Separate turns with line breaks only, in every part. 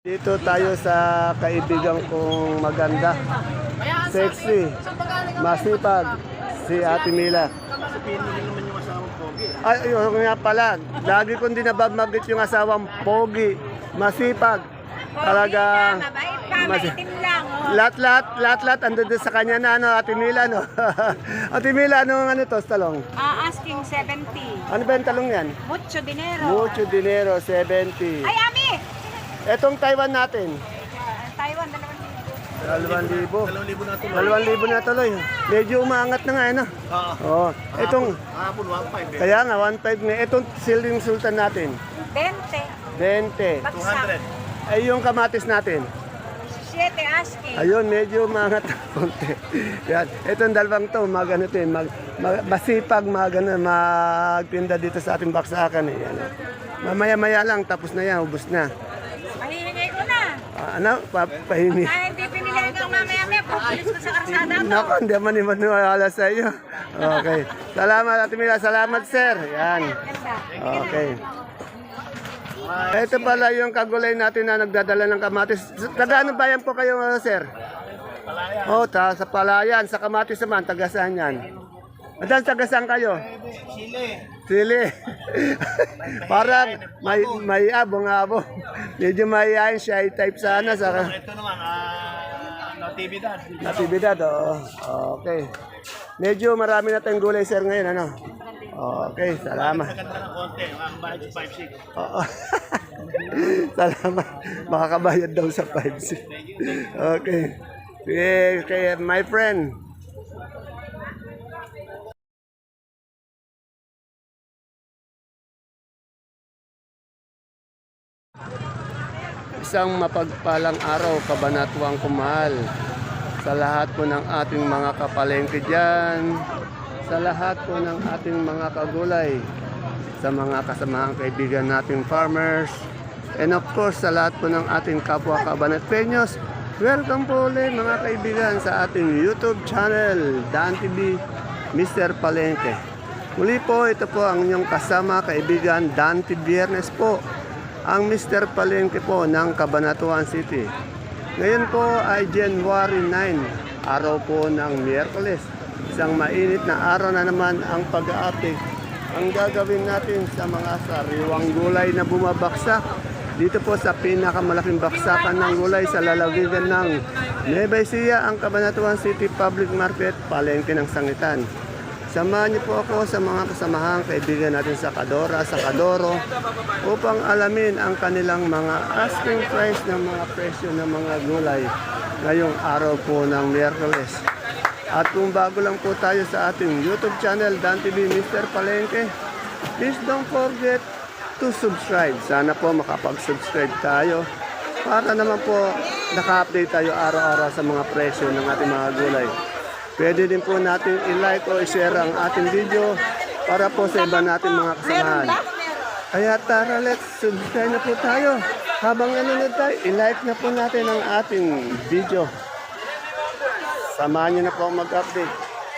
Dito tayo sa kaibigan kong maganda, sexy, masipag, si Ate Mila. Ay, yun nga pala, lagi kong dinababagit yung asawang pogi, masipag, talaga.
Mabait pa, maitim lang. Oh.
Lahat, andun din sa kanya na, ano, Ate Mila, no? Ate Mila, ano to, talong?
Asking 70.
Ano ba yung talong yan?
Mucho dinero.
Mucho dinero, 70.
Ay, Ami!
Etong Taiwan natin,
Taiwan,
2,000. 2,000 na tuloy. Medyo umaangat na nga, ano? Oo. Itong, kaya nga, 1,500 na. Itong Siling Sultan natin,
20.
20.
Bagsak.
Ay, yung kamatis natin.
7 asking.
Ayun, medyo umaangat na konti. Yan. Itong dalawang to, masipag, magtinda dito sa ating baksakan. Eh. Yan. Mamaya-maya lang, tapos na yan, ubos na.
Pahihingi ko na.
Ano? Pahingi.
Ay, hindi pinili kang mamaya-maya. Pupulis ko sa karsada to.
Naku, hindi man maniwala sa iyo. Okay. Salamat, Ate Mila. Salamat, sir. Yan.
Ganda.
Okay. Ito pala yung kagulay natin na nagdadala ng kamatis. Taga ano bayan po kayo, sir? Oh, sa Palayan. Sa kamatis naman, taga saan yan? Adan, taga saan kayo? Sili. Parang may abong-abong. Medyo mayayain siya. I-type sana.
Ito naman, natividad.
Natividad, oo. Okay. Medyo marami na tayong gulay, sir, ngayon, ano? Okay, salamat.
Maganda ng konti, ang bayad sa 5-6.
Oo. Salamat. Makakabayad daw sa 5-6. Okay. Okay, my friend. Isang mapagpalang araw, kabanatuang kumahal sa lahat po ng ating mga kapalengke dyan, sa lahat po ng ating mga kagulay, sa mga kasamahang kaibigan nating farmers, and of course sa lahat po ng ating kapwa kabanatpeños. Welcome po ulit mga kaibigan sa ating YouTube channel, Dan TV, Mr. Palengke. Muli po, ito po ang inyong kasama kaibigan, Dante Biernes po, ang Mr. Palengke po ng Cabanatuan City. Ngayon po ay January 9, araw po ng Miyerkules. Isang mainit na araw na naman ang pag-update. Ang gagawin natin sa mga sariwang gulay na bumabaksak dito po sa pinakamalaking baksakan ng gulay sa lalawigan ng Nueva Ecija, ang Cabanatuan City Public Market, Palengke ng Sangitan. Samahan niyo po ako sa mga kasamahang kaibigan natin sa Kadora, sa Kadoro, upang alamin ang kanilang mga asking price ng mga presyo ng mga gulay ngayong araw po ng Miyerkules. At kung bago lang po tayo sa ating YouTube channel, Dan TV Mr. Palengke, please don't forget to subscribe. Sana po makapag-subscribe tayo para naman po naka-update tayo araw-araw sa mga presyo ng ating mga gulay. Pwede din po natin i-like o i-share ang ating video para po sa iba natin mga kasamahan. Kaya tara, let's subscribe na po tayo. Habang nanonood tayo, i-like na po natin ang ating video. Samahan niyo na po mag-update.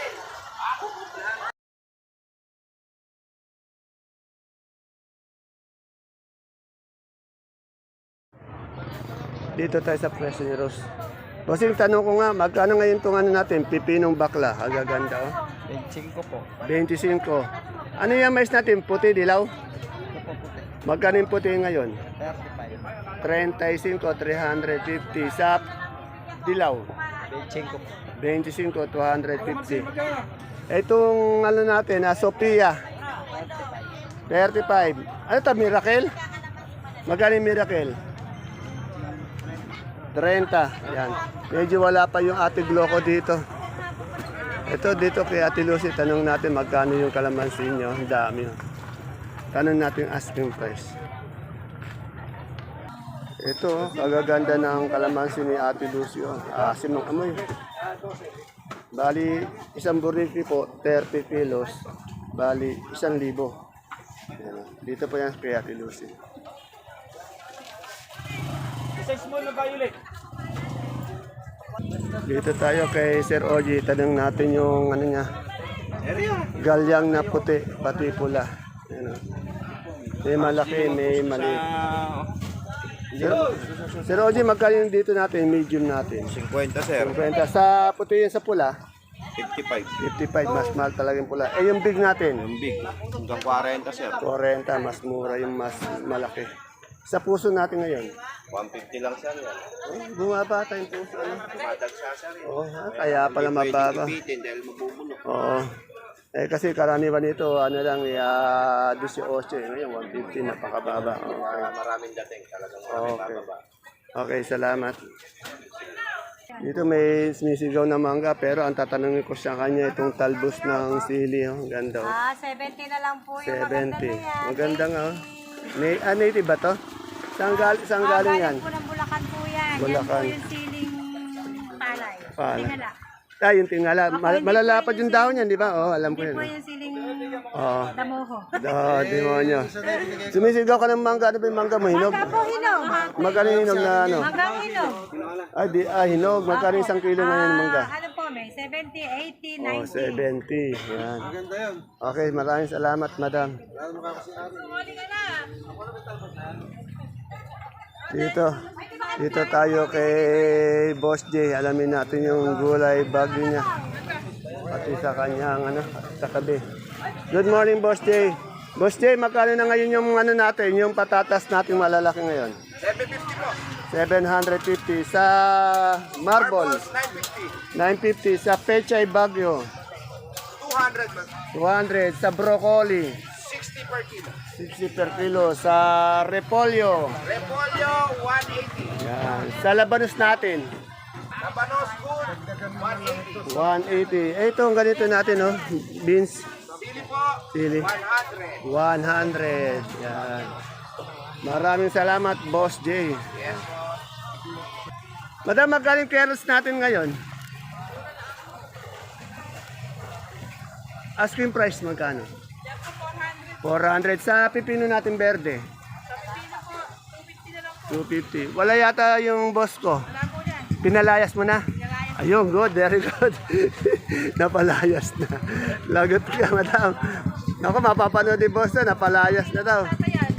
Dito tayo sa presyo ni Rose. Bossing, tanong ko nga, magkano ngayon itong ano natin, pipinong bakla? Agaganda, oh.
25 po.
25. Ano yung mais natin? Puti, dilaw? Magkano yung puti ngayon?
35.
35, 350. Sa dilaw?
25 po.
25, 250. Itong ano natin, Sophia? 35. Ano ito, Miracle? Magkano yung Miracle? 30. Yan. Medyo wala pa yung Ate Gloco dito. Ito dito kay Ate Lucy, tanong natin magkano yung kalamansi nyo. Ang dami. Tanong natin yung asking price. Ito, kagaganda ng kalamansi ni Ate Lucy. Asim ng amoy. Bali, isang burrito po, 30 kilos. Bali, 1,000. Yan. Dito po yan kay Ate Lucy. Dito tayo kay Sir Oji, tanong natin yung ano niya, galyang na puti, pati pula. May malaki, may maliit. Sir Oji, magkano yung dito natin, medium natin?
50, sir.
50. Sa puti yun sa pula,
55.
55, mas mahal talaga yung pula. Eh, yung big natin,
Yung big, hanggang 40, sir.
40, mas mura yung mas malaki. Sa puso natin ngayon,
150 lang, sir.
bumaba tayong puso. Ano?
Tumadagsa, sir.
Oo, kaya pala mababa.
Ipitin dahil mabubuno.
Oo. Eh kasi karaniwan nito, ano lang, 18, ngayon 150, napakababa. Okay.
Maraming dating, talagang
Okay. Okay, salamat. Dito may sumisigaw na mangga, pero ang tatanungin ko sa kanya itong talbos ng sili. Oh. Ang ganda. Oh.
70 na lang po yung
70. Maganda nga. Oh. Native ba to? Saan galing yan?
po ng Bulacan po yan.
Bulacan.
Yan po yung siling palay.
Palay.
Tingala.
Yung tingala. Malalapad yung dahon yan, di ba? Oo, alam ko
Hindi
yun.
po yung siling
Oo.
damoho.
Demonyo. Sumisigaw ka ng mangga. Ano ba yung mangga mo? Hinog?
Mangga po hinog.
Magkano yung hinog na ano?
Mangga hinog.
Hinog. Magkano isang kilo na yung mangga?
Ano po may 70, 80, 90.
Oh, 70. Yan. Okay, maraming salamat, madam. Dito tayo kay Boss J. Alamin natin yung gulay bagyo niya. Pati sa kanyang sa tabi. Good morning, Boss J. Boss J, magkano na ngayon yung natin, yung patatas natin malalaki ngayon?
750 po.
750 sa marble.
950.
950 sa pechay bagyo.
200 man.
200 sa broccoli.
60 per kilo.
60 per kilo sa repolyo.
Repolyo, 180.
Yan. Sa labanos natin.
Labanos good, 180.
180. Ito ang ganito natin, no? Beans.
Sili po,
Sili.
100.
100. Yan. Maraming salamat, Boss J.
Yes po.
Madam, magkano yung carrots natin ngayon? Asking price magkano? 400. Sa pipino natin berde? 250. Wala yata yung boss ko. Pinalayas mo na? Ayun, good. Very good. Napalayas na. Lagot ka, madam. Ako, mapapanood ni boss na. Napalayas na daw.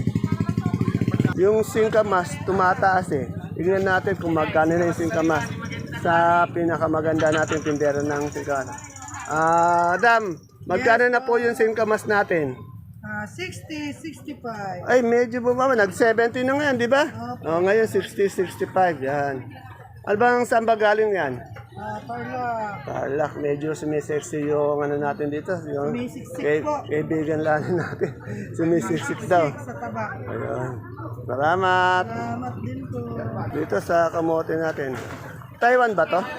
Yung singkamas, tumataas eh. Tignan natin kung magkano na yung singkamas sa pinakamaganda natin tindera ng singkamas. Madam, magkano na po yung singkamas natin?
60, 65.
Ay, medyo bumaba. Nag-70 na ngayon, di ba? Oh, ngayon 60, 65. Yan. Ano bang saan ba galing yan?
Tarlac.
Tarlac, medyo sumisexy yung natin dito. Yung
Sumisiksik po.
kaibigan lang natin. Sumisiksik daw.
Sa taba.
Ayun. Salamat.
Salamat din po.
Dito sa kamote natin. Taiwan ba to?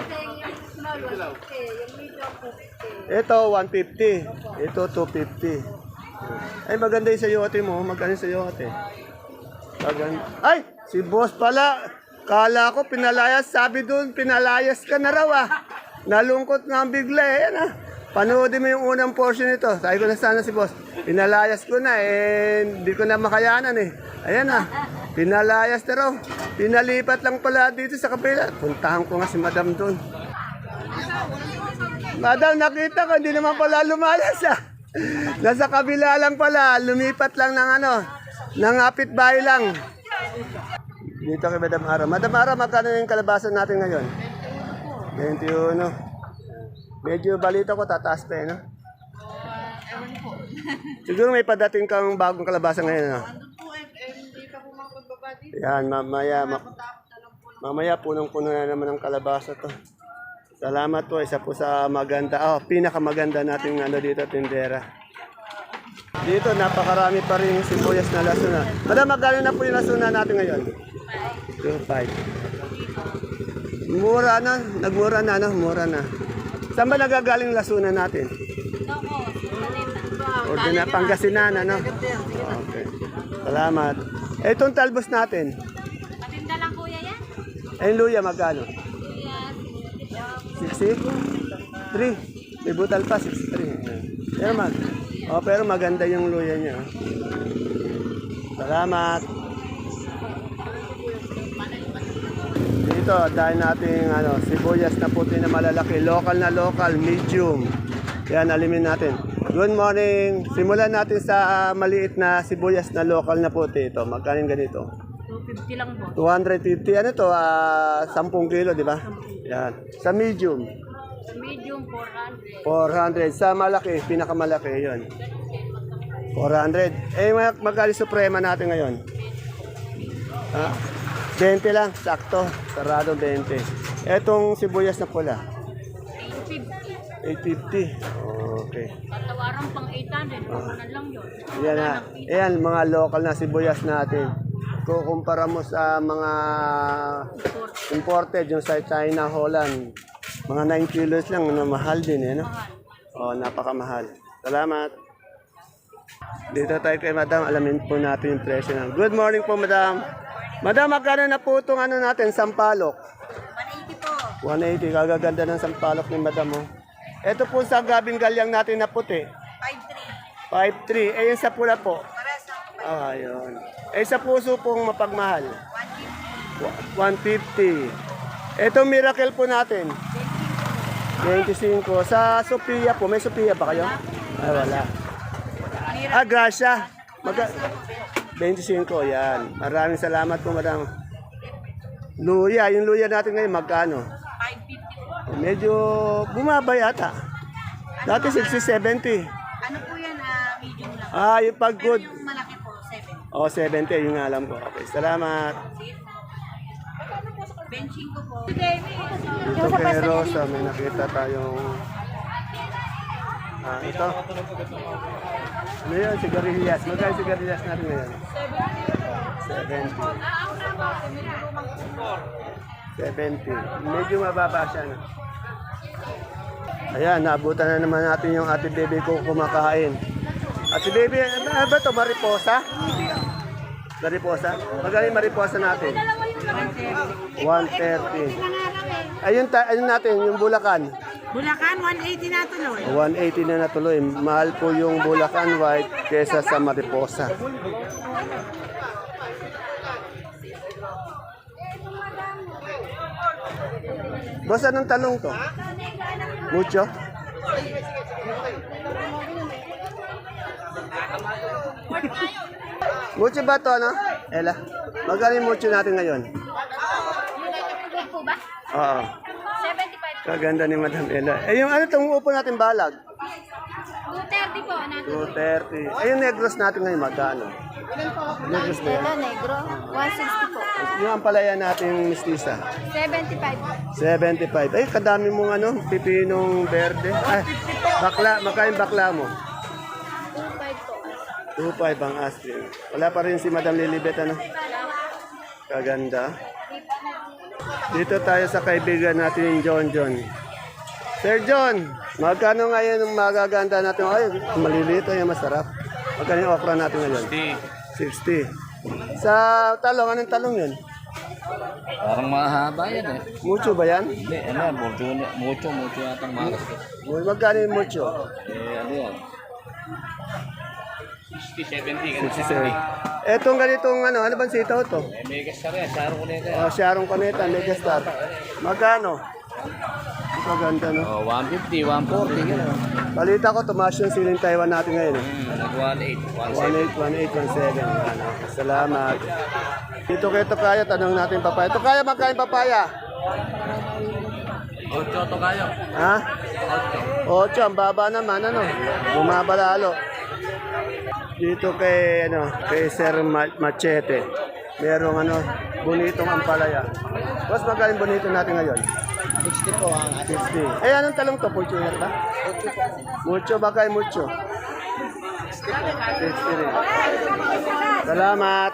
Ito 150. Ito 250. Ay maganda yung sayote mo. Maganda yung sayote. Maganda. Ay! Si boss pala. Kala ko pinalayas. Sabi doon, pinalayas ka na raw ah. Nalungkot nga ang bigla eh. Yan ah. Panoodin mo yung unang portion nito. Sabi ko na sana si boss. Pinalayas ko na eh. Hindi ko na makayanan eh. Ayan ah. Pinalayas na raw. Pinalipat lang pala dito sa kapila. Puntahan ko nga si madam doon. Madam, nakita ko. Hindi naman pala lumayas ah. Nasa kabila lang pala. Lumipat lang ng ng apit-bahay lang. Dito kay Madam Ara. Madam Ara, magkano yung kalabasan natin ngayon? 21. Medyo balita ko, tataas pa eh, no? Siguro may padating kang bagong kalabasan ngayon, no? Yan, mamaya punong-puno na naman ang kalabasa to. Salamat po, isa po sa maganda, pinakamaganda nating dito, tindera. Dito, napakarami pa rin sibuyas na lasuna. Madam, magkano na po yung lasuna natin ngayon? 2.5. Mura na, nagmura na, mura na. Saan ba nagagaling lasuna natin? Pangasinan, Okay. Salamat. Itong talbos natin.
Patinda lang kuya yan.
Yung luya, magkano? 60? 3. May butal pa, 63. Pero maganda yung luya niya. Salamat. Dito, dahil natin sibuyas na puti na malalaki. Local, medium. Yan, alimin natin. Good morning. Simulan natin sa maliit na sibuyas na local na puti. Ito, magkano ganito?
250 lang po.
250. Ano to? 10 kilo, di ba? Yan. Sa medium,
Sa medium, 400.
400. Sa malaki, pinakamalaki, yun. 400. Eh, magkali suprema natin ngayon? 20 lang, sakto. Sarado 20. Etong sibuyas na pula,
850.
850. Okay.
Tatawaran pang 800. Kukunan lang yun.
Yan na. Ayan, mga local na sibuyas natin. Kukumpara mo sa mga imported, yung sa China, Holland, mga 9 kilos lang, na mahal din, eh, no? Oh, napakamahal. Salamat. Dito tayo kay Madam, alamin po natin yung presyo ng. Good morning po, Madam. Madam, magkano na po itong ano natin, sampalok?
180 po.
180, kagaganda ng sampalok ni Madam, oh. Ito po sa gabing galyang natin na puti.
5.3.
5.3. Eh, yung sa pula po.
Pares na po.
Ah, yun. Eh, sa puso pong mapagmahal. 150. Ito miracle po natin. 25. Sa Sophia po. May Sophia ba kayo? Ay, wala. Ah, Gracia. 25. Yan. Maraming salamat po, madam. Luya. Yung luya natin ngayon, magkano?
550 po.
Medyo bumaba yata. Dati 60-70.
Ano po yan? Medium lang.
Ah, yung pag good.
Yung malaki po, 7.
Oh, 70. Yung alam ko. Okay, salamat.
Benching ko po.
Dito kay Rosa, may nakita tayong ito. Ano yun? Sigarilyas. Magkano sigarilyas natin ngayon? 70. Medyo mababa siya. No? Ayan, naabutan na naman natin yung ate baby ko kumakain. Ate baby, ano ba ito? Mariposa? Mariposa? Magaling mariposa natin. 130. Ayun, ayun natin, yung Bulacan.
Bulacan, 180 na tuloy.
180 na natuloy. Mahal po yung Bulacan White kesa sa Mariposa. Boss, anong talong to? Mucho? Mucho ba to, ano? Ella, magaling mucho natin ngayon.
Po ba?
Oo.
75.
Kaganda ni Madam Ella. Eh, yung ano itong upo natin balag?
230 po.
230. Eh, yung negros natin ngayon, magkano? Negros ba yan?
Ito, negro. 160 po.
Yung ampalaya natin mistisa.
75.
75. Ay, kadami mong ano, pipinong verde. Ay, bakla, makain bakla mo.
25 po.
2.5 ang asking. Wala pa rin si Madam Lilibet, ano? Kaganda. Dito tayo sa kaibigan natin, John John. Sir John, magkano ngayon ang magaganda natin? Ay, malilito yung masarap. Magkano yung okra natin ngayon? 60. Sa talong, anong talong yun?
Parang mahaba yan eh.
Mucho ba yan?
Hindi, ano yan, mucho yatang malas.
Magkano yung mucho?
Ano yan? 60, 70,
67. Etong ganitong ano bang sitaw to?
Megas ka rin, saro ko na yan.
Oh, Sharon Coneta, Megastar. Magkano? Ang kaganda, no?
Oh, 150, 140, gano'n.
Balita ko, tumaas yung siling Taiwan natin ngayon.
Nag-18,
18, 17. Yan, okay. Salamat. Dito kay Tokayo, tanong natin papaya. Tokayo, magkain papaya?
8 to kayo.
Ha? 8, ang baba naman, ano? Bumaba lalo. Dito kay, kay Sir Machete. Merong, bonitong ampalaya. Boss, magkain bonito natin ngayon?
60 po ang
60. Eh, anong talong to? Fortuner ba? Mucho ba kay mucho? 60 rin. Salamat.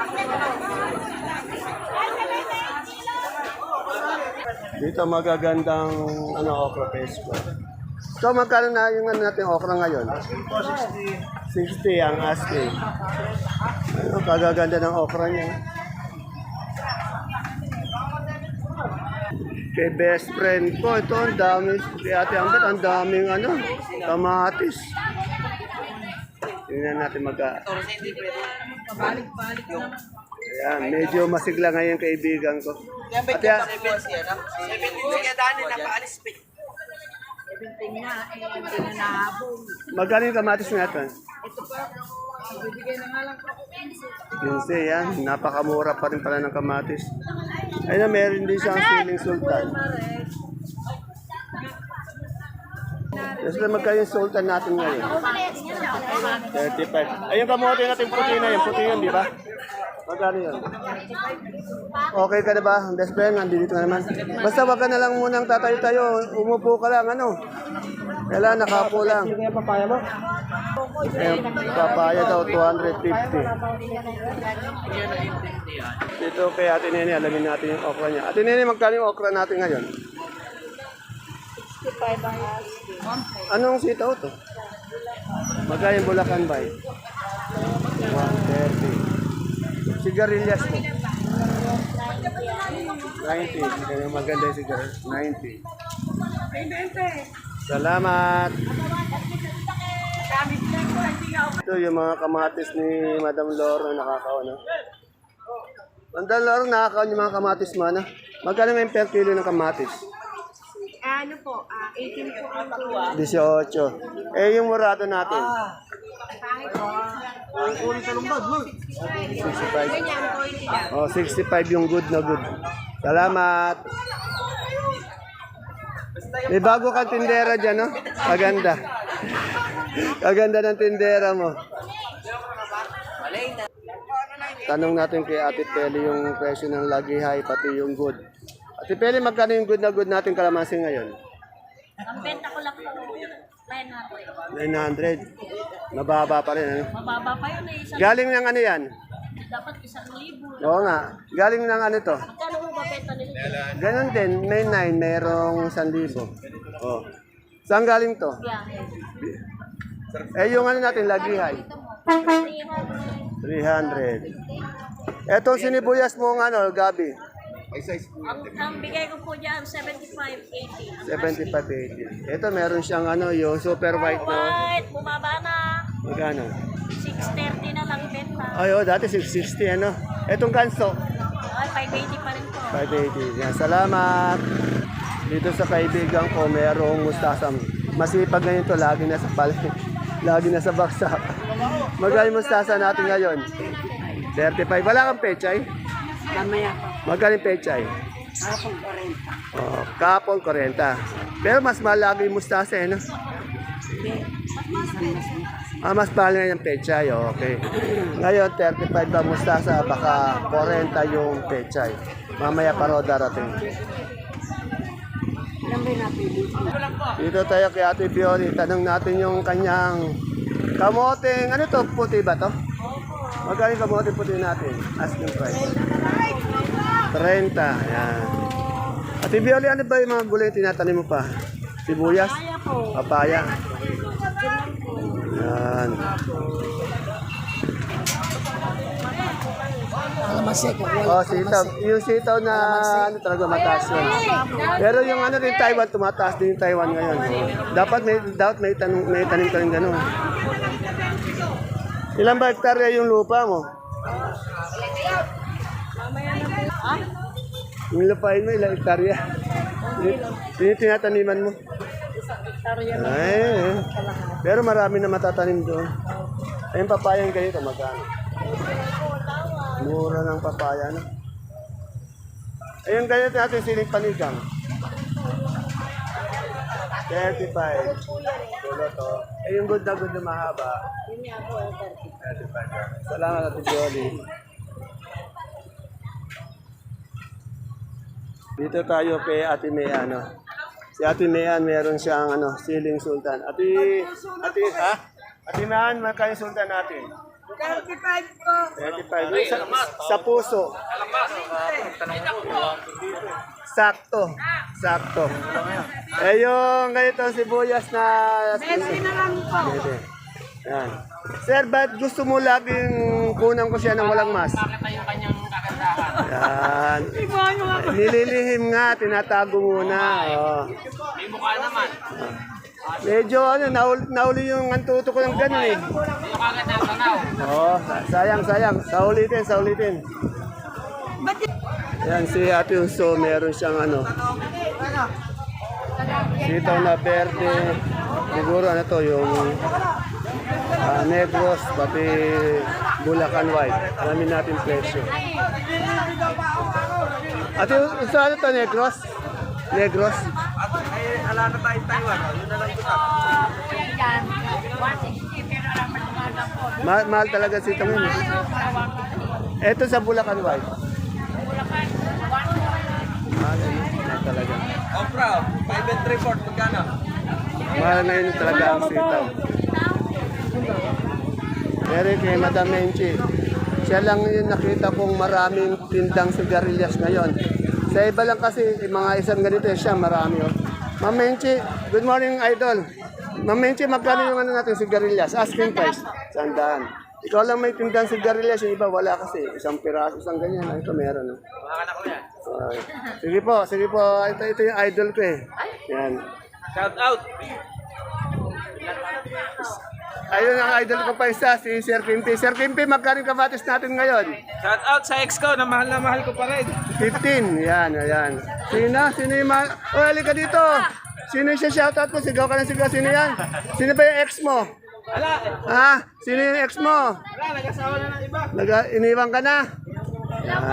Dito magagandang okra pesto. So magkano na yung natin okra ngayon? 60 ang asking. Kagaganda ng okra niya. Kay best friend ko, ito ang dami, kay Ate Ambet, ang daming kamatis. Tingnan natin Ayan, medyo masigla ngayon kaibigan ko. Ate, magkano yung kamatis natin? 15 yan. Napakamura pa rin pala ng kamatis. Ayun na, meron din siyang siling sultan. Yes, magkano yung sultan natin ngayon? 35. Ayun kamote natin puti na yun. Puti yun, di ba? Magkano yun? Okay ka na ba? Best friend, nandito ka naman. Basta wag ka na lang munang tatayo-tayo. Umupo ka lang, ano? Kailangan nakapo lang. Sino kaya papaya mo? Papaya daw, 250. Dito kay Ate Nene, alamin natin yung okra niya. Ate Nene, magkano yung okra natin ngayon?
65 ang
Anong sitaw to? Magkano yung Bulacan Bay? 130. Sigarilyas mo? 90. Kaya maganda yung sigarilyas. 90. Salamat! Ito yung mga kamatis ni Madam Loro na nakakaon. No? Madam Loro, nakakaon yung mga kamatis mo. No? Magkano may per kilo ng kamatis?
Ano po, 18 po ang
18. Eh, yung murado natin. 65. Oh, 65 yung good na good. Salamat. May bago kang tindera dyan, no? Kaganda. Kaganda ng tindera mo. Tanong natin kay Ate Peli yung presyo ng lagihay, pati yung good. Ate Peli, magkano yung good na good natin kalamansi ngayon?
Ang benta ko lang po,
900. Mababa pa rin, ano?
Mababa pa yun eh.
Galing ng ano yan?
Dapat 1,000.
Oo nga. Galing ng ano to?
Magkano mo ba benta nila?
Ganon din. May 9, mayroong 1,000. Oh. Saan galing to? Eh, yung ano natin, lagihay. 300. Etong sinibuyas mo ng ano, Gabi?
Ang bigay ko po dyan, 75-80.
75-80. Ito, meron siyang ano, yung super white na.
White, bumaba na.
Magkano?
630 na lang benta.
Ay, oh, dati 660, ano? Etong kanso,
Ay, 580 pa rin po.
580. Yan, salamat. Dito sa kaibigan ko, merong mustasa. Masipag ngayon to, lagi na sa palengke. Lagi na sa baksak. Magkano yung mustasa natin ngayon? 35. Wala kang pechay?
Mamaya pa.
Magkano yung pechay?
Kapong 40.
Oh, kapon 40. Pero mas malaki yung mustasa, eh, no? Ah, mas mahal nga yung pechay, okay. Ngayon, 35 ba mustasa, baka 40 yung pechay. Mamaya pa raw darating. Dito tayo kay Ate Fiori, tanong natin yung kanyang kamoteng, ano to, puti ba to? Magkano yung kamote puti natin? Asking price. 30, yan. Ate Fiori, ano ba yung mga gulay tinatanim mo pa? Sibuyas? Papaya. Yan. Oh, sitaw. Yung sitaw na ano talaga mataas yun. Pero yung ano din Taiwan, tumataas din yung Taiwan ngayon. Oh. Dapat may tanim ka rin gano'n. Ilan ba hektarya yung lupa mo? Yung lupain mo, ilang hektarya? Yung tinataniman mo? Ay, pero marami na matatanim doon. Ayun, papayang ganito, magkano? Mura ng papaya, no? Ayun, ganito natin siling panigang. 35. Tulo to. Ayun, good na mahaba. 35. Salamat, Ate Jolly. Dito tayo kay Ate Mea, no? Si Ate Mean, meron siyang ano, siling sultan. Ate Mean, magkano yung sultan natin?
35 po.
35. Sa puso. Sakto. Eh yung ganito sibuyas na...
Messi na lang po.
Pwede. Yan. Sir, ba't gusto mo laging kunan ko siya ng walang mas?
Nakita yung kanyang kagandahan.
Yan. Nililihim nga, tinatago muna. Oh.
May mukha naman.
Medyo ano, nauli yung antuto ko ng ganun eh.
Yung kagad ng tanaw.
Oh, sayang. Saulitin. Yan, si Ate Unso, meron siyang ano. Sitaw na berde. Siguro ano to, yung Negros, pati Bulacan White. Alamin natin presyo. Ate, saan ito Negros? Negros?
Ala na tayo Taiwan. Yun na lang kita.
Yan, 160 pero lang pagkakala po.
Mahal talaga si itong yun. Ito sa Bulacan White.
Bulacan, 140.
Mahal talaga.
Oh, bro. 5 and 3/4. Magkano?
Mahal na yun talaga ang sitaw. Pero kay Madam Menchi, siya lang yung nakita kong maraming tindang sigarilyas ngayon. Sa iba lang kasi, mga isang ganito siya, marami. Oh. Ma'am Menchi, good morning, idol. Ma'am Menchi, magkano yung ano natin sigarilyas? Asking price, 100. Ikaw lang may tindang sigarilyas, yung iba wala kasi. Isang piraso, isang ganyan. Ito meron. Oh. Sige po. Ito yung idol ko eh. Yan.
Shout out.
Ayun ang idol ko pa isa, si Sir Pimpi. Sir Pimpi, magkano yung kamatis natin ngayon?
Shout out sa ex ko na mahal ko pa rin.
15. Yan, ayan. Sino yung O, halika dito. Sino yung shoutout mo? Sigaw ka ng sigaw. Sino yan? Sino ba yung ex mo?
Ala,
Ha? Sino yung ex mo?
nag-asawa na ng iba.
Iniwan ka na? Yan.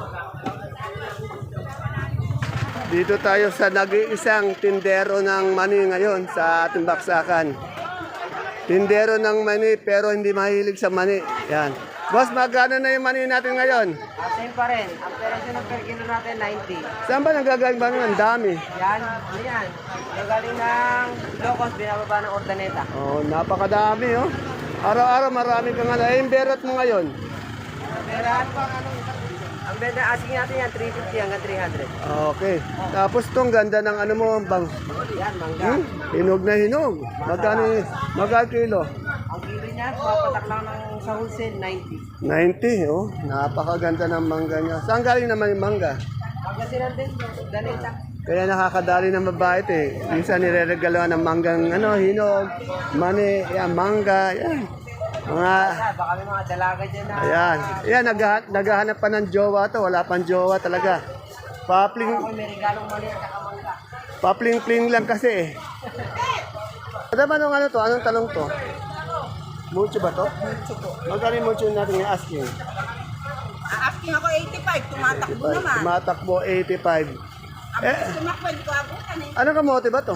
Dito tayo sa nag-iisang tindero ng mani ngayon sa ating baksakan. Tindero ng mani pero hindi mahilig sa mani. Yan. Boss, magkano na yung mani natin ngayon?
Same pa rin. Ang presyo ng per kilo natin, 90.
Saan ba nanggagaling ba ng dami?
Yan, ano yan? Nagaling ng Locos, binababa ng Ordaneta.
Oh, napakadami oh. Araw-araw marami kang ano. Eh, yung berot mo ngayon?
Pero ang benta asking natin yan, 350 hanggang 300.
Okay. Tapos tong ganda ng ano mo, bang,
Yan, mangga.
hinog na hinog. Magkano kilo?
Ang kilo niya, papatak lang ng sa wholesale, 90.
90, oh. Napakaganda ng mangga niya. Saan galing naman yung mangga?
Pagkasinan din, Daneta.
Kaya nakakadali ng mabait eh. Minsan nireregaloan ng manggang hinog, mani, yan, mangga, yan. Mga,
Baka may mga dalaga dyan na.
ayan. Ayan, naghahanap pa ng jowa to. Wala pang jowa talaga.
Ako may regalong mali at saka mangga.
Papling-pling lang kasi eh. Ano ba nung ano to? Anong talong to? Mucho ba to?
Mucho po.
Magkano yung mucho natin yung asking?
Asking ako 85, tumatakbo naman.
Tumatakbo 85.
Sumakwad ko abutan eh.
Ano kamote ba to?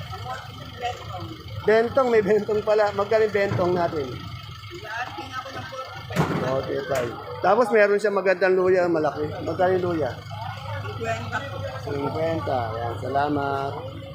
Bentong, may bentong pala. Magkano yung bentong natin?
Asking ako ng
45. Tapos meron siya magandang luya, malaki. Magkano yung luya?
20 po.
50. Yan, salamat.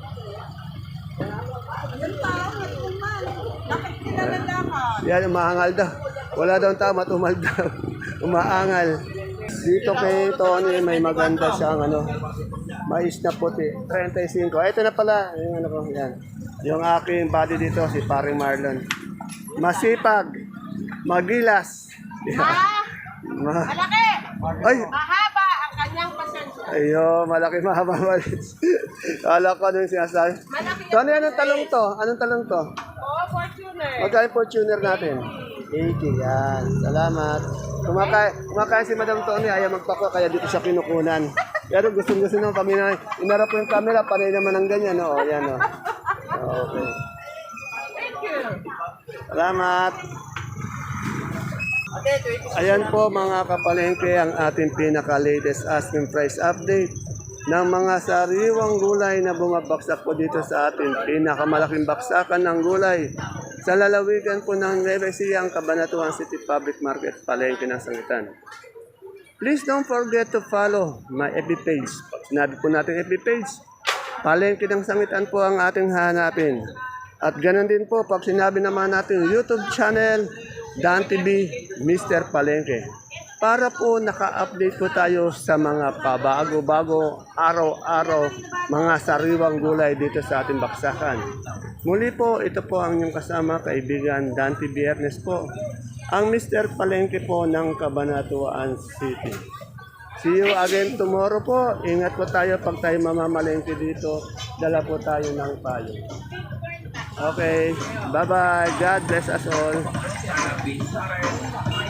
Yan pa, matumal. Bakit nilalalaman?
Yan, umaangal daw. Wala daw ang tama, tumal daw. Umaangal. Dito kay Tony, may maganda siyang mais na puti. 35. Ito na pala, yung ano ko, yan. Yung aking body dito, si Paring Marlon. Masipag, magilas.
Malaki!
Ay,
Mahaba ang kanyang pasensya.
ayo, malaki mahaba malis. Kala ko ano yung sinasabi. Tony, anong talong to? Anong talong to?
Oo, Fortuner.
Magkano yung Fortuner natin? 80, yan. Salamat. Kumakain si Madam Tony, ayaw magpako, kaya dito siya kinukunan. Pero gusto nung kami na, inarap ko yung camera, panay naman ang ganyan, no? O, yan, no? Okay. Salamat. Ayan po mga kapalengke ang ating pinaka-latest asking price update ng mga sariwang gulay na bumabaksak po dito sa ating pinakamalaking baksakan ng gulay sa lalawigan po ng Nueva Ecija, ang Cabanatuan City Public Market, Palengke ng Sangitan. Please don't forget to follow my FB page. Pag sinabi po natin FB page, Palengke ng Sangitan po ang ating hanapin. At ganun din po, pag sinabi naman natin YouTube channel, Dan TV, Mr. Palengke. Para po naka-update po tayo sa mga pabago-bago, araw-araw, mga sariwang gulay dito sa ating baksakan. Muli po, ito po ang inyong kasama, kaibigan Dan TV Ernest po, ang Mr. Palengke po ng Cabanatuan City. See you again tomorrow po. Ingat po tayo pag tayo mamamalengke dito. Dala po tayo ng payo. Okay, bye-bye. God bless us all.